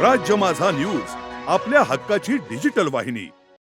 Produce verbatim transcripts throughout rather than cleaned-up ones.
राज्य माझा न्यूज, आपल्या हक्काची डिजिटल वाहिनी।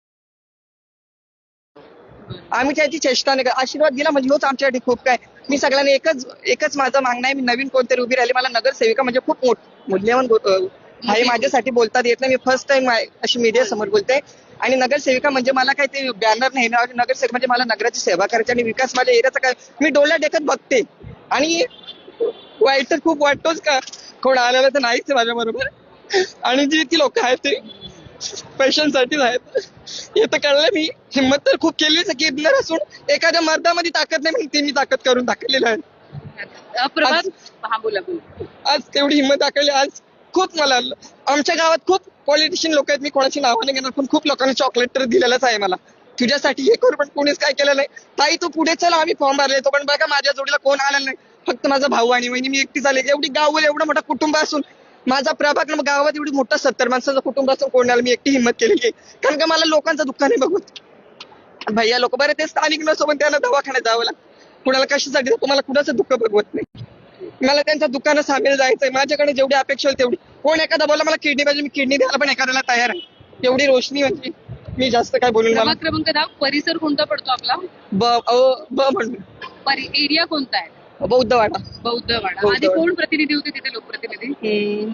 आम्ही त्याची चेष्टा नाही, आशीर्वाद दिला म्हणजे होच आमच्यासाठी खूप काय। मी सगळ्यांना एकच एकच माझं मागणं आहे, मी नवीन कोणतरी उभी राहिली, मला नगरसेविका म्हणजे खूप मोठ मूल्यवान आहे माझ्यासाठी, बोलता येत नाही। मी फर्स्ट टाइम अशी मीडिया समोर बोलते आणि नगरसेविका म्हणजे मला काय ते बॅनर नाही ना, नगरसेवक म्हणजे मला नगराची सेवा करायची आणि विकास माझ्या एरियाचा काय मी डोळ्यात देखत बघते। आणि वाईट तर खूप वाटतोच का, कोण आलेलं तर नाहीच माझ्या बरोबर, आणि जी ती लोक आहेत ते पैशांसाठीच आहेत हे तर कळलं। मी हिंमत तर खूप केलीच की किडनर असून एखाद्या मर्दामध्ये ताकद नाही म्हणून ती मी ताकद करून दाखवलेलं आहे। प्रभात हा बोला बोला आज तेवढी हिंमत दाखवली। आज खूप मला आमच्या गावात खूप पॉलिटिशियन लोक आहेत, मी कोणाची नावं नाही घेणार, पण खूप लोकांनी चॉकलेट तर दिलेलंच आहे मला, तुझ्यासाठी हे करू, पण कोणीच काय केलं नाही। ताई तू पुढे चला, आम्ही फॉर्म भरले तो, पण बघा माझ्या जोडीला कोण आलं नाही, फक्त माझा भाऊ आणि वहिनी, मी एकटी झाले। एवढी गाव एवढं मोठं कुटुंब असून माझा प्रभाग गावात एवढी मोठा सत्तर माणसाचं कुटुंब असून कोण आलं, मी एकटी हिंमत केलेली आहे, कारण का मला लोकांचं दुःख नाही बघून। भैया लोक बरे ते स्थानिक नसो, पण त्यांना दवाखान्यात जावं लागतं, कुणाला कशासाठी तुम्हाला कुणाचं दुःख बघवत नाही। मला त्यांच्या दुकानात सामील जायचंय, माझ्याकडे जेवढी अपेक्षा होईल तेवढी। कोण एखादा बोला मला किडनी पाहिजे, मी किडनी द्यायला पण एखाद्याला तयार आहे। एवढी रोशनी म्हणजे मी जास्त काय बोलून मला क्रमांक दहा परिसर कोणता पडतो आपला? ब ब म्हणून एरिया कोणता आहे? बौद्धवाडा। बौद्धवाडा। आधी कोण प्रतिनिधी होते तिथे, लोकप्रतिनिधी?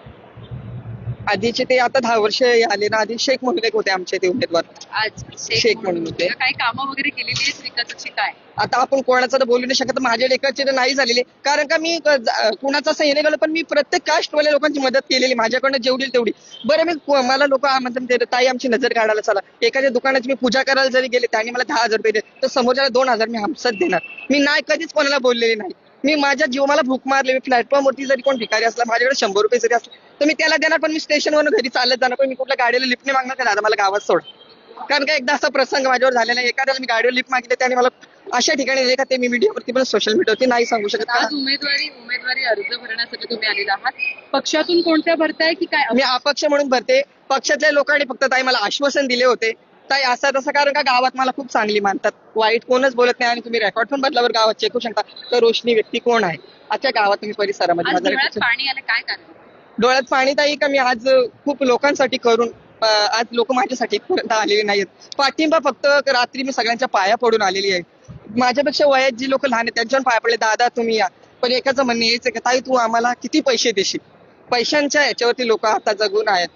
आधीचे ते आता दहा वर्ष आले ना, आधी शेख म्हणून एक होते आमचे ते उमेदवार, आज शेख म्हणून होते। काही कामं वगैरे केलेली आहेत विकासाची काय? आता आपण कोणाचं तर बोलू नाही शकत, माझ्या लेखाचे तर नाही झालेले, कारण का मी कुणाचा असं हे नाही गेलो, पण मी प्रत्येक कास्टवाल्या लोकांची मदत केलेली, माझ्याकडनं जेवढी तेवढी। बरं मी मला लोक म्हणतात ताई आमची नजर काढायला चला, एखाद्या दुकानाची मी पूजा करायला जरी गेले त्यांनी मला दहा हजार रुपये दिले, तर समोरच्याला दोन हजार मी हमसत देणार। मी नाही कधीच कोणाला बोललेली नाही, मी माझ्या जीवाला भूक मारले, मी प्लॅटफॉर्मवरती जरी कोण भिकारी असला, माझ्याकडे शंभर रुपये जरी असले तर मी त्याला देणार, पण मी स्टेशनवरून घरी चालत जाणार, पण मी कुठल्या गाडीला लिफ्ट नाही मागणार का दादा मला गावात सोड, कारण का एकदा असा प्रसंग माझ्यावर झालेला आहे। एखाद्याला मी गाडीवर लिफ्ट मागितले त्याने मला अशा ठिकाणी दिले का ते मी मीडियावरती पण सोशल मीडियावरती नाही सांगू शकत। आज उमेदवारी उमेदवारी अर्ज भरण्यासाठी तुम्ही आलेला आहात, पक्षातून कोणत्या भरताय की काय? मी अपक्ष म्हणून भरते, पक्षातल्या लोकांनी फक्त ताई मला आश्वासन दिले होते ताई असं तसं, कारण का गावात मला खूप चांगली मानतात, वाईट कोणच बोलत नाही, आणि तुम्ही रेकॉर्ड पण बदलावर गावात चेकू शकता तर रोशनी व्यक्ती कोण आहे आजच्या गावात तुम्ही परिसरामध्ये। पाणी आलं काय कारण? डोळ्यात पाणी ताई का मी आज खूप लोकांसाठी करून आज लोक माझ्यासाठी इथपर्यंत आलेले नाहीत, पाठिंबा फक्त रात्री मी सगळ्यांच्या पाया पडून आलेली आहे। माझ्यापेक्षा वयात जी लोक लहान आहेत त्यांच्यावर पाया पडले, दादा तुम्ही या, पण एकाचं म्हणणं यायचं की ताई तू आम्हाला किती पैसे देशील, पैशांच्या याच्यावरती लोक आता जगून आहेत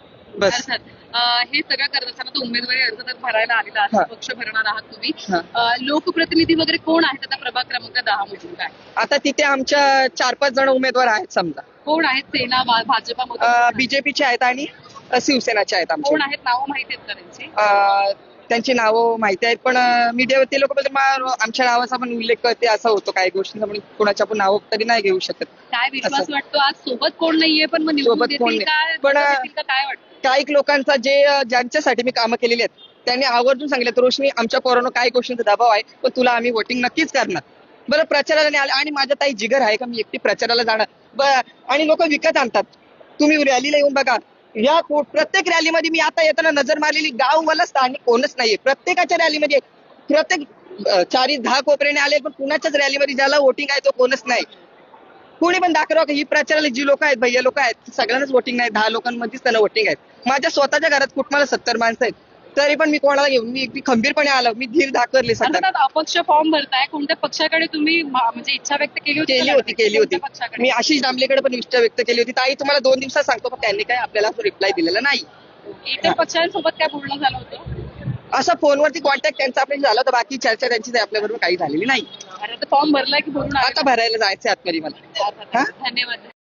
बस। हे सगळं करत असताना तो उमेदवारी अर्ज तर भरायला आलेला आहात, पक्ष भरणार आहात तुम्ही, लोकप्रतिनिधी वगैरे कोण आहेत आता प्रभाग क्रमांक दहा मधून काय? आता तिथे आमच्या चार पाच जण उमेदवार आहेत समजा। कोण आहेत? सेना भाजपा बीजेपीचे आहेत आणि शिवसेनाचे आहेत। कोण आहेत? नावं माहिती आहेत का त्यांची? त्यांची नावं माहिती आहेत, पण मीडियावरती लोक आमच्या नावाचा पण उल्लेख करते असं होतो काही गोष्टींचा, म्हणून कोणाच्या पण नाव तरी नाही घेऊ शकत। काय विश्वास वाटतो आज सोबत कोण नाहीये पण मग सोबत कोण नाही, पण काय वाटतं काही लोकांचा जे ज्यांच्यासाठी मी कामं केलेली आहेत त्यांनी आवर्जून सांगितलं रोशनी आमच्या पोरांनो काही गोष्टींचा दबाव आहे, पण तुला आम्ही वोटिंग नक्कीच करणार। बरं प्रचाराला नाही आले, आणि माझ्या ताई जिगर आहे का मी एकटी प्रचाराला जाणार, बरं आणि लोक विकत आणतात, तुम्ही रॅलीला येऊन बघा, या प्रत्येक रॅलीमध्ये मी आता येताना नजर मारलेली गाव मला स्थानिक कोणच नाहीये, प्रत्येकाच्या रॅलीमध्ये प्रत्येक चारी दहा कोपऱ्याने आले, पण कुणाच्याच रॅलीमध्ये ज्याला वोटिंग आहे तो कोणच नाही। कोणी पण दाखवा ही प्रचाराला जी लोक आहेत भैया लोक आहेत सगळ्यांनाच वोटिंग नाही, दहा लोकांमध्येच त्यांना वोटिंग आहेत। माझ्या स्वतःच्या घरात कुटुंबाला सत्तर माणसं आहेत, तरी पण मी कोणाला घेऊन मी एकटी खंबीरपणे आलो, मी धीर दाखवले सगळ्यांना। अपक्ष फॉर्म भरताय, कोणत्या पक्षाकडे तुम्ही म्हणजे इच्छा व्यक्त केली होती? केली होती केली होती मी आशिष दामलेकडे पण इच्छा व्यक्त केली होती, ताई तुम्हाला दोन दिवसात सांगतो, पण त्यांनी काय आपल्याला रिप्लाय दिलेला नाही। इतर पक्षांसोबत काय बोलणं झालं होतं? असं फोनवरती कॉन्टॅक्ट त्यांचा आपल्याला झाला होता, बाकी चर्चा त्यांची आपल्याबरोबर काही झालेली नाही। फॉर्म भरलाय की भरून आता भरायला जायचं आतमध्ये मला। धन्यवाद।